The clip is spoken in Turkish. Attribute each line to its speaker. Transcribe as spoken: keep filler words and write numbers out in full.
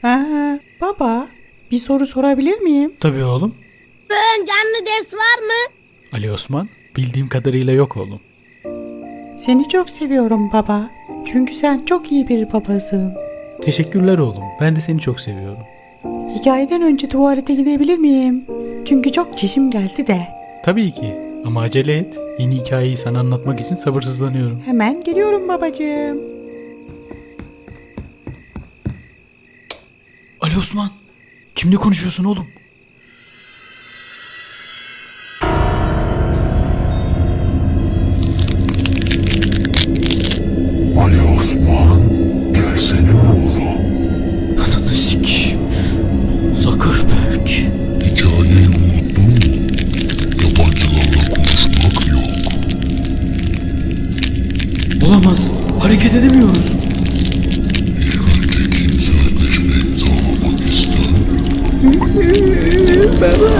Speaker 1: Aa, baba, bir soru sorabilir miyim?
Speaker 2: Tabii oğlum.
Speaker 3: Bugün canlı ders var mı?
Speaker 2: Ali Osman, bildiğim kadarıyla yok oğlum.
Speaker 1: Seni çok seviyorum baba. Çünkü sen çok iyi bir babasın.
Speaker 2: Teşekkürler oğlum. Ben de seni çok seviyorum.
Speaker 1: Hikayeden önce tuvalete gidebilir miyim? Çünkü çok çişim geldi de.
Speaker 2: Tabii ki. Ama acele et. Yeni hikayeyi sana anlatmak için sabırsızlanıyorum.
Speaker 1: Hemen geliyorum babacığım.
Speaker 2: Ali Osman, kimle konuşuyorsun oğlum?
Speaker 4: Ali Osman, gelsene oğlum.
Speaker 2: Ananı sikeyim. Zuckerberg.
Speaker 4: Hikayeyi unuttun mu? Yabancılarla konuşmak yok.
Speaker 2: Olamaz. Hareket edemiyoruz.
Speaker 4: İlk önce kim sözleşme imzalamak ister?
Speaker 1: Baba.